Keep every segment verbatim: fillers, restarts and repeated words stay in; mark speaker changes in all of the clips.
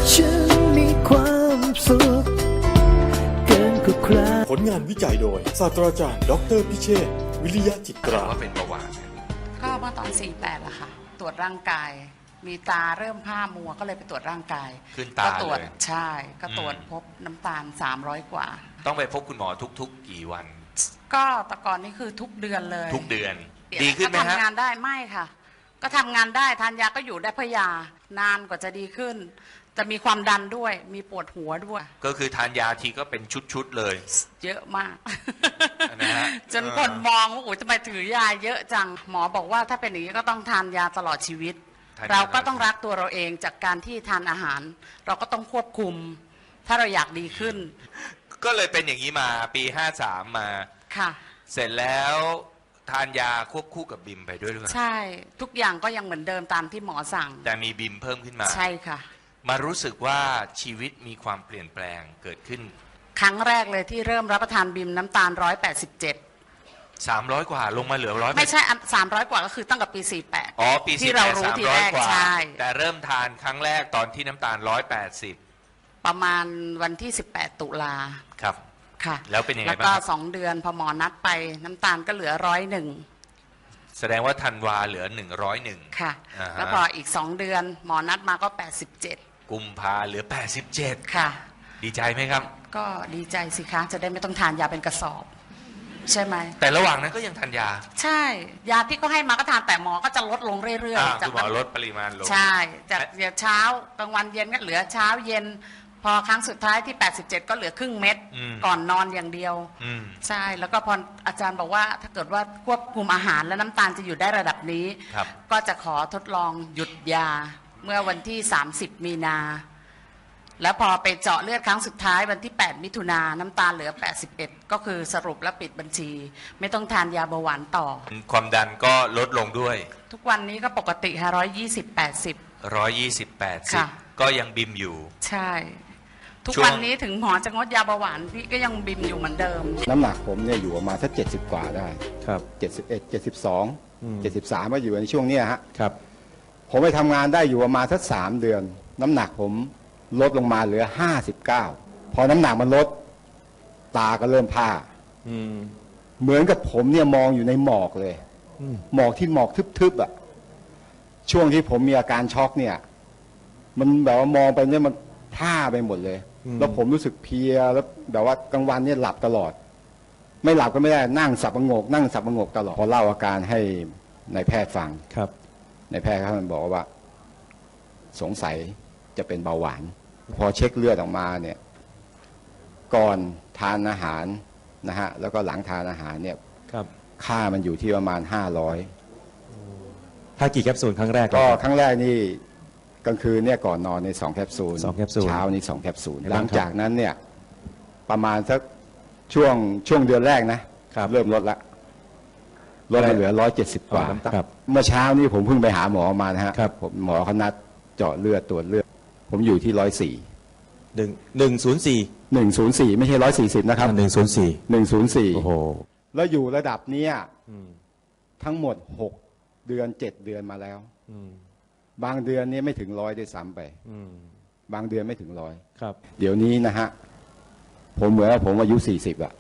Speaker 1: ฉันมีความสุขเกินกว่าใคร
Speaker 2: ผลงานวิจัยโดยศาสตราจารย์ดรพิเชษฐ์วิริยะจิตรา
Speaker 3: ว่าเป็นเบาหวาน
Speaker 4: ก็เมื่อตอนสี่แปดละค่ะตรวจร่างกายมีตาเริ่มผ้ามัวก็เลยไปตรวจร่างกาย
Speaker 3: ขึ้นตา
Speaker 4: ก็ตรวจ
Speaker 3: เลย
Speaker 4: ใช่ก็ตรวจพบน้ำตาลสามร้อยกว่า
Speaker 3: ต้องไปพบคุณหมอทุกๆกี่วัน
Speaker 4: ก็แต่ก่อนนี่คือทุกเดือนเลย
Speaker 3: ทุกเดือนดีขึ้นไหมฮะ
Speaker 4: ก็ทำงานได้ไม่ค่ะก็ทำงานได้ทานยาก็อยู่ได้เพราะยานานกว่าจะดีขึ้นจะมีความดันด้วยมีปวดหัวด้วย
Speaker 3: ก็คือทานยาทีก็เป็นชุดๆเลย
Speaker 4: เยอะมาก
Speaker 3: นะฮะ
Speaker 4: จนคนมองว่าโอ้ยทำไมถือยาเยอะจังหมอบอกว่าถ้าเป็นอย่างนี้ก็ต้องทานยาตลอดชีวิตเราก็ต้องรักตัวเราเองจากการที่ทานอาหารเราก็ต้องควบคุมถ้าเราอยากดีขึ้น
Speaker 3: ก็เลยเป็นอย่างนี้มาปีห้าสามมา
Speaker 4: ค่ะ
Speaker 3: เสร็จแล้วทานยาควบคู่กับบิมไปด้วยหรือเปล่า
Speaker 4: ใช่ทุกอย่างก็ยังเหมือนเดิมตามที่หมอสั่ง
Speaker 3: แต่มีบิมเพิ่มขึ้นมา
Speaker 4: ใช่ค่ะ
Speaker 3: มารู้สึกว่าชีวิตมีความเปลี่ยนแปลงเกิดขึ้น
Speaker 4: ครั้งแรกเลยที่เริ่มรับประทานบิมน้ำตาลร้อยแปดสิบเจ็ด
Speaker 3: สามร้อยกว่าลงมาเหลือร้อย
Speaker 4: ไม่ใช่สามร้อยกว่าก็คือตั้งแต่ปีสี่แปด
Speaker 3: อ๋อปี
Speaker 4: ที่เรารู้ทีแรกใช่
Speaker 3: แต่เริ่มทานครั้งแรกตอนที่น้ำตาลร้อยแปดสิบ
Speaker 4: ประมาณวันที่สิบแปดตุลา
Speaker 3: ครับ
Speaker 4: ค่ะ
Speaker 3: แล้วเป็นยังไงบ้าง
Speaker 4: แล้วก็สองเดือนพอหมอนัดไปน้ำตาลก็เหลือร้อยหนึ่ง
Speaker 3: แสดงว่าธันวาเหลือหนึ่งร้อยหนึ่ง
Speaker 4: ค่ะแล้วพออีกสองเดือนหมอนัดมาก็แปดสิบเจ็ด
Speaker 3: กุมภาเหลือแปดสิบเจ็ด
Speaker 4: ค่ะ
Speaker 3: ดีใจไหมครับ
Speaker 4: ก็ดีใจสิคะจะได้ไม่ต้องทานยาเป็นกระสอบใช่ไหม
Speaker 3: แต่ระหว่างนั้นก็ยังทานยา
Speaker 4: ใช่ยาที่เขาให้มาก็ทานแต่หมอก็จะลดลงเรื่อย
Speaker 3: ๆจากหมอลดปริมาณลง
Speaker 4: ใช่จากเช้ากลางวันเย็นก็เหลือเช้าเย็นพอครั้งสุดท้ายที่แปดสิบเจ็ดก็เหลือครึ่งเม็ดก่อนนอนอย่างเดียวใช่แล้วก็พออาจารย์บอกว่าถ้าเกิดว่าควบคุมอาหารและน้ำตาลจะอยู่ได้ระดับนี้ก็จะขอทดลองหยุดยาเมื่อวันที่สามสิบมีนาแล้วพอไปเจาะเลือดครั้งสุดท้ายวันที่แปดมิถุนายนน้ำตาลเหลือแปดสิบเอ็ดก็คือสรุปและปิดบัญชีไม่ต้องทานยาเบาหวานต่อ
Speaker 3: ความดันก็ลดลงด้วย
Speaker 4: ทุกวันนี้ก็ปกติค่ะร้อยยี่สิบแปดสิบ
Speaker 3: ร้อยยี่สิบแปดสิบก็ยังบิมอยู่
Speaker 4: ใช่ทุกวันนี้ถึงหมอจะงดยาเบาหวานพี่ก็ยังบิมอยู่เหมือนเดิม
Speaker 5: น้ำหนักผมเนี่ยอยู่ประมาณสักเจ็ดสิบกว่าได้
Speaker 6: ครับ
Speaker 5: เจ็ดสิบเอ็ดเจ็ดสิบสองเจ็ดสิบสามมาอยู่ในช่วงนี้ฮะ
Speaker 6: ครับ
Speaker 5: ผมไปทำงานได้อยู่ประมาณสักสามเดือนน้ำหนักผมลดลงมาเหลือห้าสิบเก้าพอน้ำหนักมันลดตาก็เริ่มผ้าเหมือนกับผมเนี่ยมองอยู่ในหมอกเลยหมอกที่หมอกทึบๆอ่ะช่วงที่ผมมีอาการช็อกเนี่ยมันแบบว่ามองไปเนี่ยมันผ้าไปหมดเลยแล้วผมรู้สึกเพลียแล้วแบบว่ากลางวันเนี่ยหลับตลอดไม่หลับก็ไม่ได้นั่งสับประงกนั่งสับประงกตลอดพอเล่าอาการให้นายแพทย์ฟัง
Speaker 6: ครับ
Speaker 5: นายแพทย์เขาบอกว่าสงสัยจะเป็นเบาหวานพอเช็คเลือดออกมาเนี่ยก่อนทานอาหารนะฮะแล้วก็หลังทานอาหารเนี่ย
Speaker 6: ครับ
Speaker 5: ค่ามันอยู่ที่ประมาณห้าร้อย
Speaker 6: ถ้ากี่แคปซูลครั้งแรก
Speaker 5: ก็ครั้งแรกนี่กลางคืนเนี่ยก่อนนอนในสองแคปซูล
Speaker 6: สองแคปซูล
Speaker 5: เช้านี่สองแคปซูลหลังจากนั้นเนี่ยประมาณสักช่วงช่วงเดือนแรกนะเริ่มลดละลดมาเหลือร้อยเจ็ดสิบกว่าเมื่อเช้านี้ผมเพิ่งไปหาหมอมานะฮะผมหมอเขานัดเจาะเลือดตรวจเลือดผมอยู่ที่ร้อยสี่
Speaker 6: หนึ่งหนึ่งศูนย์สี่
Speaker 5: หนึ่งศูนย์สี่ไม่ใช่ร้อยสี่สิบนะครับ
Speaker 6: หนึ่งศูนย์สี่
Speaker 5: หนึ่งศูนย์สี่
Speaker 6: โอ้โห
Speaker 5: แล้วอยู่ระดับเนี้ยทั้งหมดหกเดือนเจ็ดเดือนมาแล้วบางเดือนนี้ไม่ถึงร้อยด้วยซ้ำไปบางเดือนไม่ถึงร้อย
Speaker 6: ครับ
Speaker 5: เดี๋ยวนี้นะฮะผมเหมือนว่าผมอายุสี่สิบอะ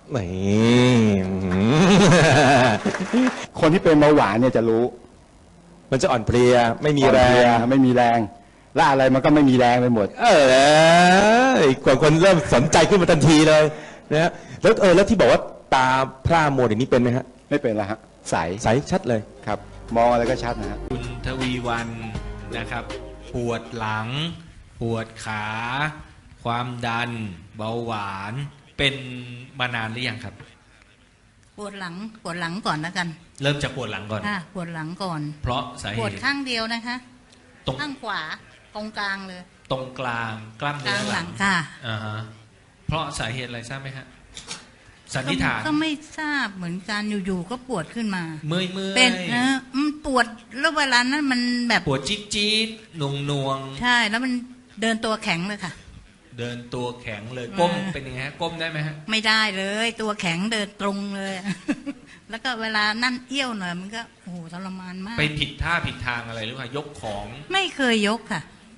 Speaker 5: คนที่เป็นเบาหวานเนี่ยจะรู้
Speaker 6: มันจะอ่อนเพลียไม่มีแรง
Speaker 5: ไม่มีแรงและอะไรมันก็ไม่มีแรงไปหมด
Speaker 6: เออกว่าคนเริ่มสนใจขึ้นมาทันทีเลยนะฮะแล้วเออแล้วที่บอกว่าตาพร่ามัวอย่างนี้เป็นไหมฮะ
Speaker 5: ไม่เป็นละฮะใส
Speaker 6: ใสชัดเลย
Speaker 5: ครับมองอะไรก็ชัดนะฮะ
Speaker 7: คุณทวีวันนะครับปวดหลังปวดขาความดันเบาหวานเป็นมานานหรือยังครับ
Speaker 8: ปวดหลังปวดหลังก่อนแล้วกัน
Speaker 7: เริ่มจากปวดหลังก่อน
Speaker 8: ค่ะปวดหลังก่อน
Speaker 7: เพราะสาเหตุ
Speaker 8: ปวดข้างเดียวนะคะ
Speaker 7: ตรง
Speaker 8: ข้างขวาตรงกลางเลย
Speaker 7: ตรงกลางกล้ามเนื้อ
Speaker 8: หลังค่ะ
Speaker 7: อ่าฮะเพราะสาเหตุอะไรทราบไหมฮะสันนิษฐาน
Speaker 8: ก็ไม่ทราบเหมือนกันอยู่ๆก็ปวดขึ้นมา
Speaker 7: เมื่อยเมื่อย
Speaker 8: เป็นนะมันปวดแล้วเวลานั้นมันแบบ
Speaker 7: ปวดจี๊ดจี๊ดหน่วงหน่วง
Speaker 8: ใช่แล้วมันเดินตัวแข็งเลยค่ะ
Speaker 7: เดินตัวแข็งเลยก้มเป็นยังไงฮะก้มได้ไหมฮะ
Speaker 8: ไม่ได้เลยตัวแข็งเดินตรงเลยแล้วก็เวลานั่นเอี้ยวหน่อยมันก็โอ้โหทรมานมาก
Speaker 7: ไปผิดท่าผิดทางอะไรหรือเปล่ายกของ
Speaker 8: ไม่เคยยกค่ะ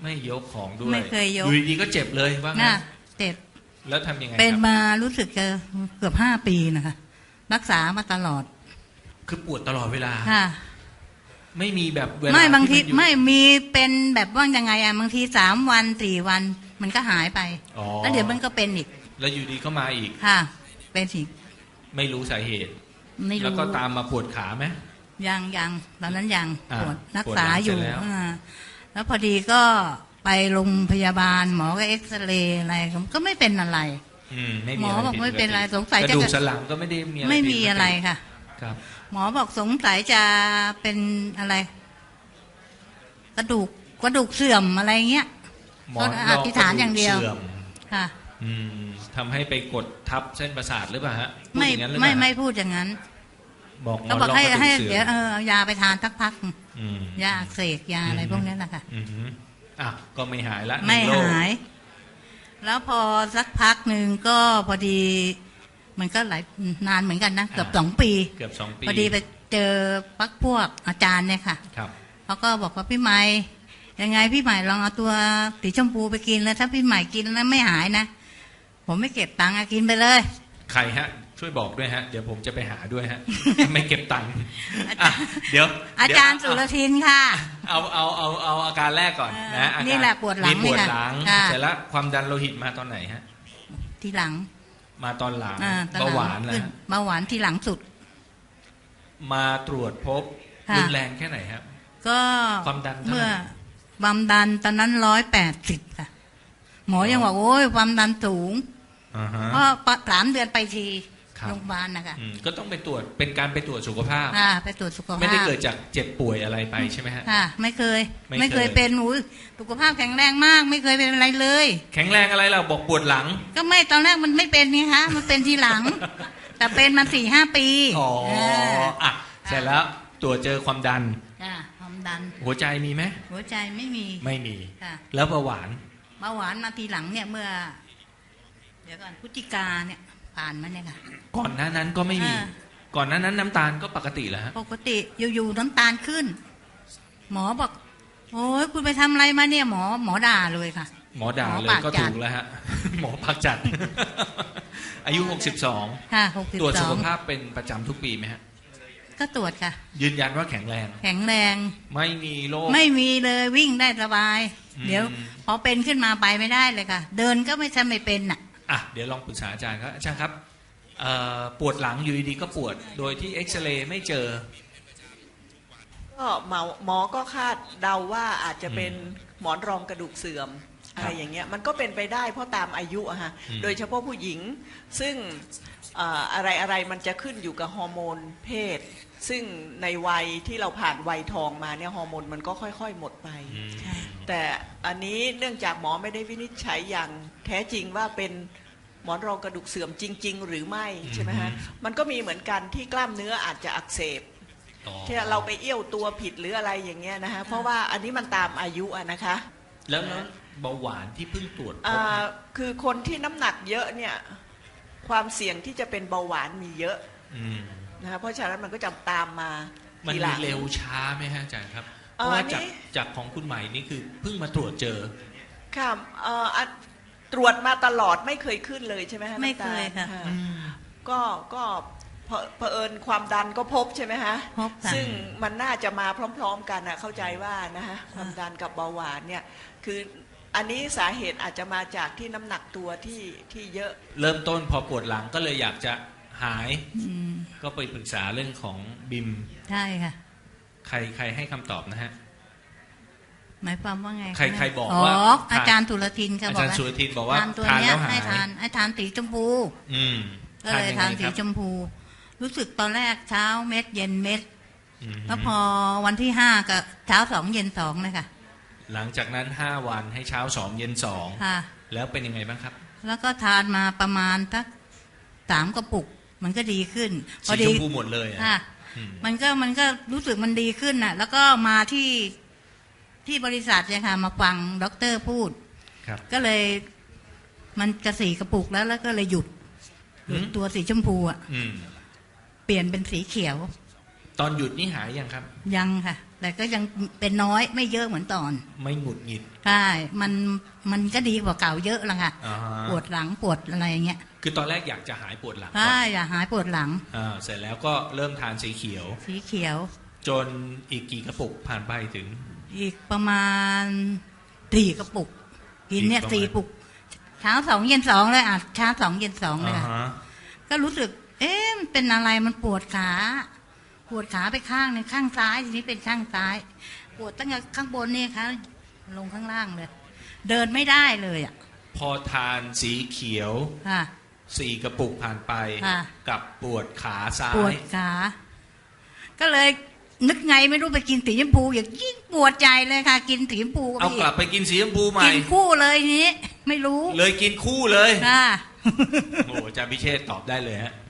Speaker 7: ไม่ยกของด้วย
Speaker 8: ไม่เคยยก
Speaker 7: อยู่ดีๆก็เจ็บเลยว่างั้
Speaker 8: น่ะ
Speaker 7: น
Speaker 8: เจ็บ
Speaker 7: แล้วทำยังไง
Speaker 8: เป็น
Speaker 7: ครับ
Speaker 8: มารู้สึกจะเกือบห้าปีนะคะ รักษามาตลอด
Speaker 7: คือปวดตลอดเวลา
Speaker 8: ค่ะ
Speaker 7: ไม่มีแบบเวลา
Speaker 8: ไม่บางที
Speaker 7: ที่นอยู่
Speaker 8: ไม่มีเป็นแบบว่ายังไงอะบางทีสามวันสี่วันมันก็หายไป
Speaker 7: อ๋อ
Speaker 8: แล้วเดี๋ยวมันก็เป็นอีก
Speaker 7: แล้วอยู่ดีก็มาอีก
Speaker 8: ค่ะ เป็นอีก
Speaker 7: ไม่รู้สาเหตุ
Speaker 8: ไม่
Speaker 7: แล้ว
Speaker 8: รู้
Speaker 7: ก็ตามมาปวดขาไหม
Speaker 8: ยังยังตอนนั้นยัง
Speaker 7: อ่า
Speaker 8: ปวดรัก
Speaker 7: ปวด
Speaker 8: ษา
Speaker 7: หลัง
Speaker 8: อยู่
Speaker 7: เสร็จแล้ว
Speaker 8: อ่าแล้วพอดีก็ไปโรงพยาบาลหมอก็เอ็กซเรย์อะไรก็ไม่เป็นอะไร
Speaker 7: อืมไม่
Speaker 8: หม
Speaker 7: มี
Speaker 8: อ
Speaker 7: อะไร
Speaker 8: บอก
Speaker 7: ผิด
Speaker 8: ไม่เป็นไร
Speaker 7: ปกติ
Speaker 8: สงสัย
Speaker 7: ก
Speaker 8: จะ
Speaker 7: ระดูกสันหลังก็ไม่ได้มีอะไร
Speaker 8: ไม่
Speaker 7: ผิด
Speaker 8: มีอะไรค่ะ
Speaker 7: ครับ
Speaker 8: หมอบอกสงสัยจะเป็นอะไร กระดูกกระดูกเสื่อมอะไรเงี้ย
Speaker 7: หมอ
Speaker 8: ก็อธิษฐานอย่างเดียว
Speaker 7: สื่อม
Speaker 8: ค่ะ
Speaker 7: อืมทำให้ไปกดทับเส้นประสาทหรือเปล่าฮะพูด
Speaker 8: ไม่
Speaker 7: อย่างนั้นหรือเป
Speaker 8: ไม่
Speaker 7: ล่า
Speaker 8: ไม่พูดอย่างนั้น
Speaker 7: บอกหม
Speaker 8: ก็
Speaker 7: อน
Speaker 8: บอก
Speaker 7: รอง
Speaker 8: ให้
Speaker 7: กระดู
Speaker 8: ให้
Speaker 7: กเสื่
Speaker 8: เดี๋
Speaker 7: อ
Speaker 8: ยว
Speaker 7: ม
Speaker 8: เออเอายาไปทานสักพัก
Speaker 7: อืม
Speaker 8: ยาอักเสกยาอะไรพวกนี้แหละค่ะ
Speaker 7: อืมอ่ะก็ไม่หายละ
Speaker 8: ไม่
Speaker 7: นึ่งโรค
Speaker 8: หาย แล้วพอสักพักหนึ่งก็พอดี มันก็หลายนานเหมือนกันนะเกือบสองปี
Speaker 7: เกือบสองปี
Speaker 8: พอดีไปเจอพักพวกอาจารย์เนี่ยค่ะ
Speaker 7: ครับ
Speaker 8: เขาก็บอกว่าพี่ใหม่ยังไงพี่ใหม่ลองเอาตัวสีชมพูไปกินแล้วถ้าพี่ใหม่กินแล้วไม่หายนะผมไม่เก็บตังค์อะกินไปเลย
Speaker 7: ใครฮะ ช่วยบอกด้วยฮะ เดี๋ยวผมจะไปหาด้วยฮะ ไม่เก็บตังค์อ่ะเดี๋ยว
Speaker 8: อาจารย์สุรทินค่ะ
Speaker 7: เอาเอาเอาเอาอาการแรกก่อนนะอาการ
Speaker 8: นี่แหละปวดหลัง
Speaker 7: มีปวดหลัง
Speaker 8: ค่ะ
Speaker 7: เสร็จแล้วความดันโลหิตมาตอนไหนฮะ
Speaker 8: ทีหลัง
Speaker 7: มาตอนหลัง
Speaker 8: อ่ตอ
Speaker 7: เบาหวาน
Speaker 8: ขึ้
Speaker 7: นะ
Speaker 8: เบาหวานทีหลังสุด
Speaker 7: มาตรวจพบ
Speaker 8: ค่ะ
Speaker 7: รุนแรงแค่ไหนครับ
Speaker 8: ก็
Speaker 7: ความดันเท่าไหร่
Speaker 8: เมื่อความดันตอนนั้นร้อยแปดสิบค่ะ หมอยังบอกโอ้ยความดันสูง
Speaker 7: อ่าฮะ
Speaker 8: เพราะสามเดือนไปที
Speaker 7: ครับ
Speaker 8: โรงพยาบาลนะคะ
Speaker 7: อืมก็ต้องไปตรวจเป็นการไปตรวจสุขภาพ
Speaker 8: อ่าไปตรวจสุขภาพ
Speaker 7: ไม่ได้เกิดจากเจ็บป่วยอะไรไปใช่ไหมฮะ
Speaker 8: ค่ะ ไม่เคย
Speaker 7: ไม่
Speaker 8: ไม่
Speaker 7: เค
Speaker 8: เค
Speaker 7: ย
Speaker 8: ยเป็นอุ้ยสุขภาพแข็งแรงมาก ไม่เคยเป็นอะไรเลย
Speaker 7: แข็งแรงอะไรเราบอกปวดหลัง
Speaker 8: ก็ไม่ตอนแรกมันไม่เป็นนี่คะมันเป็นทีหลัง แต่เป็นมาสี่ห้าปี
Speaker 7: อ๋อ
Speaker 8: า
Speaker 7: อ่ะเสร็จแล้วตรวจเจอความดัน
Speaker 8: จ้ะความดัน
Speaker 7: หัวใจมีไหม
Speaker 8: หัวใจไม่มี
Speaker 7: ไม่มี
Speaker 8: ค่ะ
Speaker 7: แล้วเบาหวาน
Speaker 8: เบาหวานมาทีหลังเนี่ยเมื่อ เดี๋ยวก่อนพฤศจิกาเนี่ย ผ่านมาเนี่ยค่ะ
Speaker 7: ก่อนหน้านั้นก็ไม่มี
Speaker 8: อ่า
Speaker 7: ก่อนหน้านั้นน้ำตาลก็ปกติแล้วฮะ
Speaker 8: ปกติอยู่ๆน้ำตาลขึ้น หมอบอก โอ้ยคุณไปทำอะไรมาเนี่ย หมอหมอด่าเลยค่ะ
Speaker 7: หมอด่า
Speaker 8: หมอ
Speaker 7: เลย
Speaker 8: ปาก
Speaker 7: ก็
Speaker 8: จั
Speaker 7: ถู
Speaker 8: ด
Speaker 7: กแล้วฮะ หมอพักจัด อายุหกสิบสอง
Speaker 8: ค่ะหกสิบ
Speaker 7: ตรวจ
Speaker 8: ส
Speaker 7: สุ
Speaker 8: อ
Speaker 7: ข
Speaker 8: ง
Speaker 7: ภาพเป็นประจำทุกปีไหมฮะ
Speaker 8: ก็ตรวจค่ะ
Speaker 7: ยืนยันว่าแข็งแรง
Speaker 8: แข็งแรง
Speaker 7: ไม่มีโรค
Speaker 8: ไม่มีเลยวิ่งได้สบาย
Speaker 7: อืม
Speaker 8: เดี๋ยว พอเป็นขึ้นมาไปไม่ได้เลยค่ะ เดินก็ไม่ใช่ไม่เป็นน่ะ
Speaker 7: อ่ะเดี๋ยวลองปรึกษาอาจารย์ครับอาจารย์ครับเอ่อปวดหลังอยู่ดีๆก็ปวด โดยที่เอ็กซเรย์ไม่เจอ
Speaker 9: ก็หมอหมอก็คาดเดาว่าอาจจะเป็นหมอนรองกระดูกเสื่อมอะไรอย่างเงี้ยมันก็เป็นไปได้เพราะตามอายุอะฮะ
Speaker 7: อืม
Speaker 9: โดยเฉพาะผู้หญิงซึ่งเอ่ออะไรอะไรมันจะขึ้นอยู่กับฮอร์โมนเพศ ซึ่งในวัยที่เราผ่านวัยทองมาเนี่ยฮอร์โมนมันก็ค่อยๆหมดไป
Speaker 7: อืม
Speaker 9: แต่อันนี้เนื่องจากหมอไม่ได้วินิจฉัยอย่างแท้จริงว่าเป็นหมอนรองกระดูกเสื่อมจริง ๆ หรือไม่ใช่ไหมฮะมันก็มีเหมือนกันที่กล้ามเนื้ออาจจะอักเสบ
Speaker 7: อ๋อ
Speaker 9: ที่เราไปเอี้ยวตัวผิดหรืออะไรอย่างเงี้ยนะฮะเพราะว่าอันนี้มันตามอายุอะนะคะ
Speaker 7: แล้วแล้วเบาหวานที่เพิ่งตรวจพบ
Speaker 9: อ่าคือคนที่น้ำหนักเยอะเนี่ยความเสี่ยงที่จะเป็นเบาหวานมีเยอะ
Speaker 7: อืม
Speaker 9: นะคะเพราะฉะนั้นมันก็จะตามมา
Speaker 7: มัน
Speaker 9: ทีหลั
Speaker 7: มี
Speaker 9: ง
Speaker 7: เร็วช้าไหมฮะอาจารย์ครับ เพ
Speaker 9: เอ่อ
Speaker 7: ราะว่า
Speaker 9: อันนี้
Speaker 7: จากจากของคุณใหม่นี่คือเพิ่งมาตรวจเจอ
Speaker 9: ค่ะเอ่ออ่ะตรวจมาตลอดไม่เคยขึ้นเลยใช่ไหมฮะ
Speaker 8: ไม่
Speaker 9: น้ำตาล
Speaker 8: เคยค่ะ
Speaker 9: อ่าก็ก็เผเผอิญความดันก็พบใช่ไหมฮะ
Speaker 8: พบค่ะ
Speaker 9: ซึ่งมันน่าจะมาพร้อม ๆ กันนะเข้าใจว่านะฮะความดันกับเบาหวานเนี่ยคืออันนี้สาเหตุอาจจะมาจากที่น้ำหนักตัวที่ที่เยอะ
Speaker 7: เริ่มต้นพอปวดหลังก็เลยอยากจะหาย
Speaker 8: อืม
Speaker 7: ก็ไปปรึกษาเรื่องของบิม
Speaker 8: ใช่ค่ะ
Speaker 7: ใครใครให้คำตอบนะฮะ
Speaker 8: หมายความว่าไงะ
Speaker 7: ใครใครบอก
Speaker 8: อ๋อ
Speaker 7: ว่าทาน
Speaker 8: อาจารย์ตุลทินค่ะ
Speaker 7: อา
Speaker 8: บอก
Speaker 7: จารย์
Speaker 8: ว่า
Speaker 7: สุรทินบอกว่า
Speaker 8: ทานตัว
Speaker 7: ทาน
Speaker 8: เนี้ย
Speaker 7: แล้วหาย
Speaker 8: ให้ทานให้ทานสีชมพู
Speaker 7: อืม
Speaker 8: ก็เลย
Speaker 7: ยังไง
Speaker 8: ทานสี
Speaker 7: ครับ
Speaker 8: ชมพู รู้สึกตอนแรกเช้าเม็ดเย็นเม็ด
Speaker 7: อืม
Speaker 8: แล้วพอวันที่ห้าก็เช้าสองเย็นสองเลยค่ะ
Speaker 7: หลังจากนั้นห้าวันให้เช้าสองเย็นสอง
Speaker 8: ค่ะ
Speaker 7: แล้วเป็นยังไงบ้างครับ
Speaker 8: แล้วก็ทานมาประมาณสักสามกระปุก มันก็ดีขึ้น พอ
Speaker 7: สี
Speaker 8: ดี
Speaker 7: ชมพูหมดเลยอะ
Speaker 8: ค่ะ
Speaker 7: อืม
Speaker 8: มันก็มันก็รู้สึกมันดีขึ้นน่ะ แล้วก็มาที่ที่บริษัทเนี่ยค่ะ มาฟังด็อกเตอร์พูด
Speaker 7: ครับ
Speaker 8: ก็เลย มันจะสีกระปุกแล้วแล้วก็เลยหยุดหยุด
Speaker 7: อืม
Speaker 8: ตัวสีชมพูอ่ะ
Speaker 7: อืม
Speaker 8: เปลี่ยนเป็นสีเขียว
Speaker 7: อตอนหยุดนี่หายยังครับ
Speaker 8: ยังค่ะ แต่ก็ยังเป็นน้อยไม่เยอะเหมือนตอน
Speaker 7: ไม่หงุดหงิด
Speaker 8: ใช่มันมันก็ดีกว่าเก่าเยอะละค่ะ
Speaker 7: อ่าฮะ
Speaker 8: ปวดหลังปวดอะไรอย่างเงี้ย
Speaker 7: คือตอนแรกอยากจะหายปวดหลังก่อน
Speaker 8: ใช่อย่าหายปวดหลัง
Speaker 7: อ่าเสร็จแล้วก็เริ่มทานสีเขียว
Speaker 8: สีเขียว
Speaker 7: จนอีกกี่กระปุกผ่านไปถึง
Speaker 8: อีกประมาณสี่กระปุก กินเนี่ย
Speaker 7: อีกประมาณ
Speaker 8: สี่ปุกเช้าสองเย็นสองเลยอ่ะเช้าสองเย็นสองเลย
Speaker 7: อ่า
Speaker 8: ค่ะ
Speaker 7: ฮะ
Speaker 8: ก็รู้สึก เอ๊ะมันเป็นอะไรมันปวดขาปวดขาไปข้างหนึ่งข้างซ้ายทีนี้เป็นข้างซ้าย ปวดตั้งแต่ข้างบนนี่ค่ะลงข้างล่างเลย เดินไม่ได้เลยอ่ะ
Speaker 7: พอทานสีเขียว
Speaker 8: ค่ะ
Speaker 7: สี่กระปุกผ่านไป
Speaker 8: ค่ะ
Speaker 7: กับปวดขาซ้า
Speaker 8: ปวด
Speaker 7: ย
Speaker 8: ขา ก็เลยนึกไงไม่รู้ไปกินสีชมพูอย่างยิ่งปวดใจเลยค่ะ กินสีชมพู
Speaker 7: เอา
Speaker 8: พี่
Speaker 7: กลับไปกินสีชมพูใหม่
Speaker 8: กินคู่เลยทีนี้ ไม่รู้
Speaker 7: เลยกินคู่เลย
Speaker 8: ค่ะ
Speaker 7: โอ้อาจารย์พิเชษฐ์ตอบได้เลยฮะ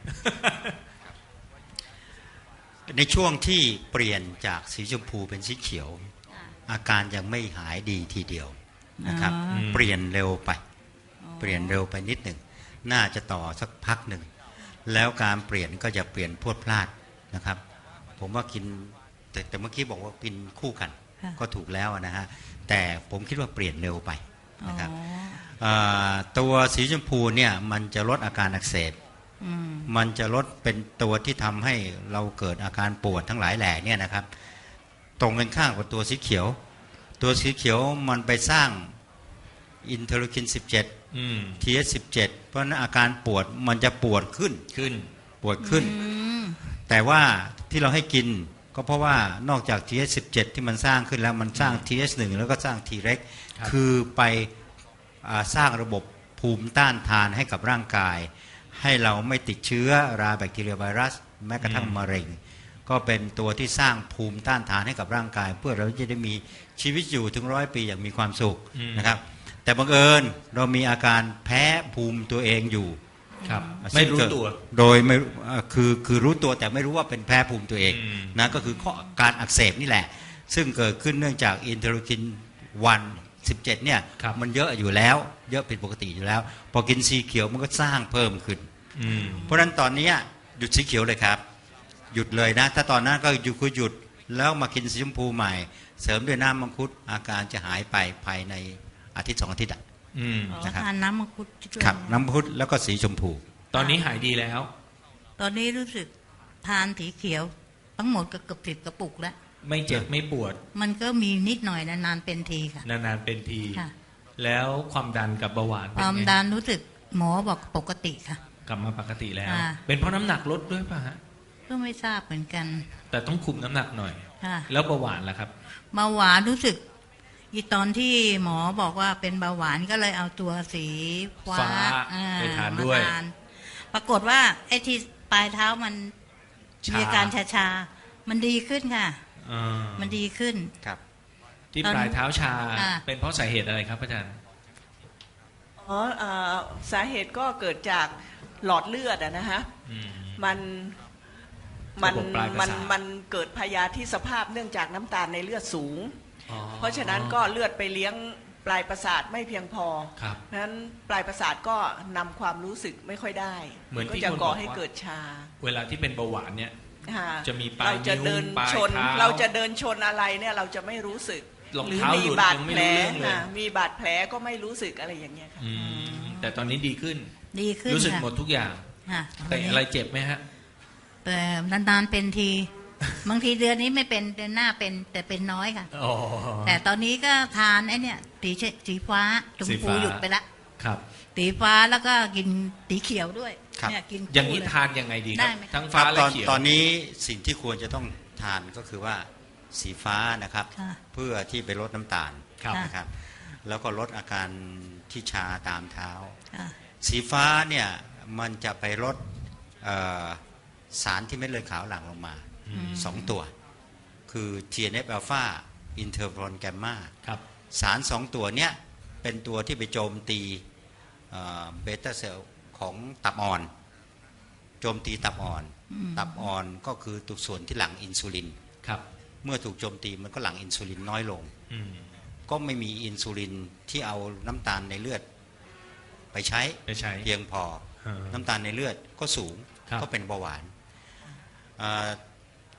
Speaker 10: ในช่วงที่เปลี่ยนจากสีชมพูเป็นสีเขียว อาการยังไม่หายดีทีเดียวนะครับ
Speaker 8: อ๋อ
Speaker 10: เปลี่ยนเร็วไป เปลี่ยนเร็วไปนิดหนึ่งน่าจะต่อสักพักหนึ่งแล้วการเปลี่ยนก็จะเปลี่ยนพรวดพลาดนะครับ ผมว่ากินแต่แต่เมื่อกี้บอกว่ากินคู่กัน
Speaker 8: ค่ะ
Speaker 10: ก็ถูกแล้วนะฮะแต่ผมคิดว่าเปลี่ยนเร็วไป
Speaker 8: อ๋อ
Speaker 10: นะครับอ่าตัวสีชมพูเนี่ยมันจะลดอาการอักเสบ
Speaker 8: อืม
Speaker 10: มันจะลดเป็นตัวที่ทำให้เราเกิดอาการปวดทั้งหลายแหล่เนี่ยนะครับ ตรงกันข้ามกับตัวสีเขียว ตัวสีเขียวมันไปสร้างอินเทอร์คิน สิบเจ็ด
Speaker 7: อืม
Speaker 10: ที เอส สิบเจ็ด เพราะฉะนั้นอาการปวดมันจะปวดขึ้น
Speaker 7: ขึ้น
Speaker 10: ปวดขึ้น
Speaker 8: อืม
Speaker 10: แต่ว่าที่เราให้กินก็เพราะว่านอกจาก ที เอส สิบเจ็ด ที่มันสร้างขึ้นแล้วมันสร้าง ที เอส หนึ่ง แล้วก็สร้าง T เร็ก
Speaker 7: ครับ
Speaker 10: คือไปอ่าสร้างระบบภูมิต้านทานให้กับร่างกาย ให้เราไม่ติดเชื้อราแบคทีเรียไวรัส แม้กระทั่งมะเร็ง ก็เป็นตัวที่สร้างภูมิต้านทานให้กับร่างกาย เพื่อเราจะได้มีชีวิตอยู่ถึงร้อยปีอย่างมีความสุข
Speaker 7: อืม
Speaker 10: นะครับ แต่บังเอิญเรามีอาการแพ้ภูมิตัวเองอยู่
Speaker 7: ครับ ไม่รู้ตัว
Speaker 10: โดยไม่เอ่อคือคือรู้ตัวแต่ไม่รู้ว่าเป็นแพ้ภูมิตัวเอง
Speaker 7: อืม
Speaker 10: นะก็คือข้อการอักเสบนี่แหละ ซึ่งเกิดขึ้นเนื่องจากอินเทอร์คินวันสิบเจ็ดเนี่ย
Speaker 7: ครับ
Speaker 10: มันเยอะอยู่แล้ว เยอะผิดปกติอยู่แล้ว พอกินสีเขียวมันก็สร้างเพิ่มขึ้น
Speaker 7: อืม
Speaker 10: เพราะฉะนั้นตอนนี้หยุดสีเขียวเลยครับ หยุดเลยนะ ถ้าตอนนั้นก็หยุดคือหยุดแล้วมากินสีชมพูใหม่ เสริมด้วยน้ำมังคุดอาการจะหายไปภายในอาทิตย์สองอาทิตย์อะ
Speaker 7: อืม
Speaker 8: อ๋อ
Speaker 10: นะครับ
Speaker 8: ทานน้ำมังคุดด้วย
Speaker 10: ครับน้ำมังคุดแล้วก็สีชมพู
Speaker 7: ตอนนี้หายดีแล้ว
Speaker 8: ตอนนี้รู้สึกทานสีเขียว ทั้งหมดก็เกือบสิบกระปุกแล้ว
Speaker 7: ไม่เจ็บไม่ปวด
Speaker 8: มันก็มีนิดหน่อยนานๆเป็นทีค่ะ
Speaker 7: นานๆเป็นที
Speaker 8: ค่ะ
Speaker 7: แล้วความดันกับเบาหวาน
Speaker 8: ค
Speaker 7: เป็น
Speaker 8: วาม
Speaker 7: ไง
Speaker 8: ดันรู้สึกหมอบอกปกติค่ะ
Speaker 7: กลับมาปกติแล้ว
Speaker 8: ค่ะ
Speaker 7: เป็นเพราะน้ำหนักลดด้วยป่ะฮะ
Speaker 8: ก็ไม่ทราบเหมือนกัน
Speaker 7: แต่ต้องคุมน้ำหนักหน่อย
Speaker 8: ค่ะ
Speaker 7: แล้วเบาหวานล่ะครับ
Speaker 8: เบาหวานรู้สึก อีตอนที่หมอบอกว่าเป็นเบาหวานก็เลยเอาตัวสีฟ้า
Speaker 7: ฟ้า
Speaker 8: อ่
Speaker 7: ไปทานด้วย
Speaker 8: มทานปรากฏว่าไอ้ที่ปลายเท้ามัน
Speaker 7: ชา
Speaker 8: มีอาการชาชาๆมันดีขึ้นค่ะ
Speaker 7: อ่า
Speaker 8: มันดีขึ้น
Speaker 10: ครับ
Speaker 7: ที่
Speaker 8: ตอน
Speaker 7: ปลายเท้าชา
Speaker 8: อ่า
Speaker 7: เป็นเพราะสาเหตุอะไรครับอาจารย์
Speaker 9: อ๋อเอ่อสาเหตุก็เกิดจากหลอดเลือดอะนะฮะ
Speaker 7: อืม
Speaker 9: มันมัน
Speaker 7: ระบบปลายประ
Speaker 9: มัน
Speaker 7: สาท
Speaker 9: มันเกิดพยาธิสภาพเนื่องจากน้ำตาลในเลือดสูง
Speaker 7: อ๋อ
Speaker 9: เพราะฉะนั้นก็เลือดไปเลี้ยงปลายประสาทไม่เพียงพอ
Speaker 7: ครับ
Speaker 9: เพราะฉะนั้นปลายประสาทก็นำความรู้สึกไม่ค่อยได้
Speaker 7: เหมือนที่
Speaker 9: ก็จะ
Speaker 7: คน
Speaker 9: ก่อ
Speaker 7: บอก
Speaker 9: ให้
Speaker 7: ว่า
Speaker 9: เกิดชา
Speaker 7: เวลาที่เป็นเบาหวานเนี่ย
Speaker 9: ค่ะ
Speaker 7: จะมีปลาย
Speaker 9: เราจะเดิน
Speaker 7: นิ้วปลาย
Speaker 9: ชน
Speaker 7: เท้า
Speaker 9: เราจะเดินชนอะไรเนี่ยเราจะไม่รู้สึก
Speaker 7: รอง
Speaker 9: หรือ
Speaker 7: เท้า
Speaker 9: มี
Speaker 7: หลุด
Speaker 9: บาด
Speaker 7: ยังไม่
Speaker 9: แผล
Speaker 7: รู้เรื่องเลย
Speaker 9: ค่ะมีบาดแผลก็ไม่รู้สึกอะไรอย่างเงี้ยค่ะ
Speaker 7: อืมแต่ตอนนี้ดีขึ้น
Speaker 8: ดีขึ้น
Speaker 7: รู้สึก
Speaker 8: ค่ะ
Speaker 7: หมดทุกอย่าง
Speaker 8: ค่ะ
Speaker 7: แต่อะไรเจ็บไหมฮะ
Speaker 8: แต่นานๆเป็นที บางทีเดือนนี้ไม่เป็นเดือนหน้าเป็นแต่เป็นน้อยค่ะ
Speaker 7: อ๋อ
Speaker 8: แต่ตอนนี้ก็ทานไอ้เนี่ยสีเชสีฟ้าชม
Speaker 7: สี
Speaker 8: พู
Speaker 7: ฟ้า
Speaker 8: หยุดไปละ
Speaker 7: ครับ
Speaker 8: สีฟ้าแล้วก็กินสีเขียวด้วย
Speaker 10: ครับ
Speaker 8: เนี่ยกิน
Speaker 7: อย่างนี้
Speaker 8: คู่เล
Speaker 7: ทานยังไงดีค
Speaker 8: ได้
Speaker 7: รับ
Speaker 8: ไหม
Speaker 7: ทั้ง
Speaker 10: ค
Speaker 7: ฟ้า
Speaker 10: รับ
Speaker 7: และ
Speaker 10: ตอน
Speaker 7: เขียว
Speaker 10: ตอนนี้สิ่งที่ควรจะต้องทานก็คือว่าสีฟ้านะครับ
Speaker 8: ค่ะ
Speaker 10: เพื่อที่ไปลดน้ำตาล
Speaker 7: ครับ
Speaker 10: นะครับ แล้วก็ลดอาการที่ชาตามเท้า
Speaker 8: ค่ะ
Speaker 10: สีฟ้าเนี่ยมันจะไปลดเอ่อสารที่เม็ดเลือดขาวหลั่งลงมาสองตัว คือ ที เอ็น เอฟ อลฟา อินเทอร์โฟนแกมมา
Speaker 7: ครับ
Speaker 10: สารสองตัวเนี้ยเป็นตัวที่ไปโจมตีเบต้าเซลล์ของตับอ่อน โจมตีตับอ่อน ตับอ่อนก็คือตัวส่วนที่หลั่งอินซูลิน
Speaker 7: ครับ
Speaker 10: เมื่อถูกโจมตีมันก็หลั่งอินซูลินน้อยลง
Speaker 7: อืม
Speaker 10: ก็ไม่มีอินซูลินที่เอาน้ำตาลในเลือดไปใช้
Speaker 7: ไปใช้
Speaker 10: เพียงพอ
Speaker 7: อ่า
Speaker 10: น้ำตาลในเลือดก็สูง
Speaker 7: ครับ
Speaker 10: ก็เป็นเบาหวานอ่า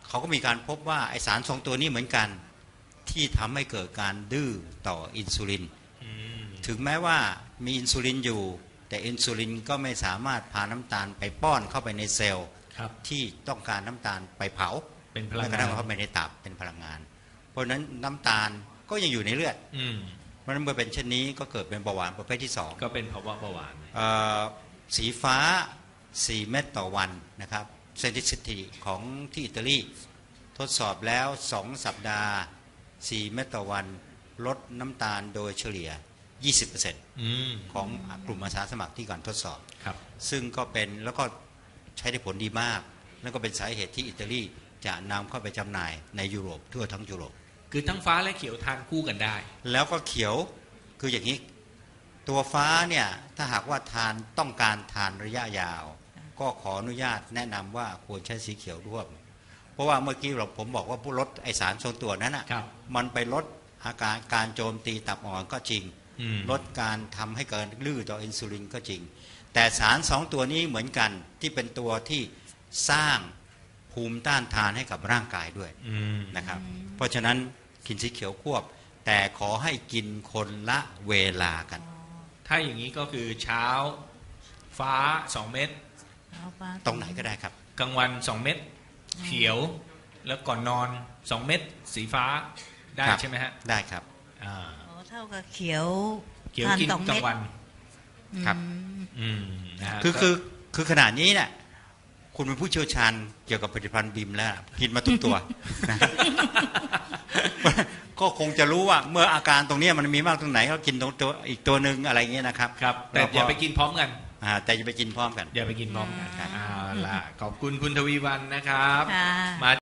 Speaker 10: เขาก็มีการพบว่าไอสารสองตัวนี้เหมือนกันที่ทำให้เกิดการดื้อต่ออินซูลินถึงแม้ว่ามีอินซูลินอยู่แต่อินซูลินก็ไม่สามารถพาน้ำตาลไปป้อนเข้าไปในเซลล์ที่ต้องการน้ำตาลไปเผา
Speaker 7: เป็นพลังงาน
Speaker 10: แล้วก็เข้าไปในตับเป็นพลังงาน เพราะฉะนั้นน้ำตาลก็ยังอยู่ในเลือดเพราะฉะนั้นเมื่อเป็นเช่นนี้ก็เกิดเป็นเบาหวานประเภทที่สอง
Speaker 7: ก็เป็นภาวะเบาหวาน
Speaker 10: สีฟ้าสี่เม็ดต่อวันนะครับเซนซิทิของที่อิตาลีทดสอบแล้วสองสัปดาห์สี่เม็ดต่อวันลดน้ำตาลโดยเฉลี่ย ยี่สิบเปอร์เซ็นต์ ของกลุ่มอาสาสมัครที่ก่อนทดสอบซึ่งก็เป็นแล้วก็ใช้ได้ผลดีมากแล้วก็เป็นสาเหตุที่อิตาลีจะนำเข้าไปจำหน่ายในยุโรปทั่วทั้งยุโรป
Speaker 7: คือทั้งฟ้าและเขียวทานคู่กันได้
Speaker 10: แล้วก็เขียวคืออย่างนี้ตัวฟ้าเนี่ยถ้าหากว่าทานต้องการทานระยะยาวก็ขออนุญาตแนะนำว่าควรใช้สีเขียวร่วมเพราะว่าเมื่อกี้เราผมบอกว่าผู้ลดไอสารทรงตัวนั้นอ่ะมันไปลดอาการการโจมตีตับอ่อนก็จริงลดการทำให้เกิดลื้อต่ออินซูลินก็จริงแต่สารสองตัวนี้เหมือนกันที่เป็นตัวที่สร้างภูมิต้านทานให้กับร่างกายด้วยนะครับเพราะฉะนั้นกินสีเขียวควบแต่ขอให้กินคนละเวลากัน
Speaker 7: ถ้าอย่างนี้ก็คือเช้าฟ้าสองเม็ด
Speaker 10: ตรงไหนก็ได้ครับ
Speaker 7: กลางวันสองเม็ดเขียวแล้วก่อนนอนสองเม็ดสีฟ้าได้ใช่ไหมฮะ
Speaker 10: ได้ครับ
Speaker 8: อ๋อเท่ากับเขียว
Speaker 7: เขียวกินกลางวัน
Speaker 10: ครับคือคือคือขนาดนี้เนี่ยคุณเป็นผู้เชี่ยวชาญเกี่ยวกับผลิตภัณฑ์บิมแล้วกินมาทุกตัวนะก็คงจะรู้ว่าเมื่ออาการตรงนี้มันมีมากตรงไหนก็กินตรงตัวอีกตัวหนึ่งอะไรเงี้ยนะครับ
Speaker 7: ครับแต่อย่าไปกินพร้อมกัน
Speaker 10: แต่อย่าไปกินพร้อมกัน
Speaker 7: อย่าไปกินพร้อมกันเอาล่ะขอบคุณคุณทวีวรรณนะครับมา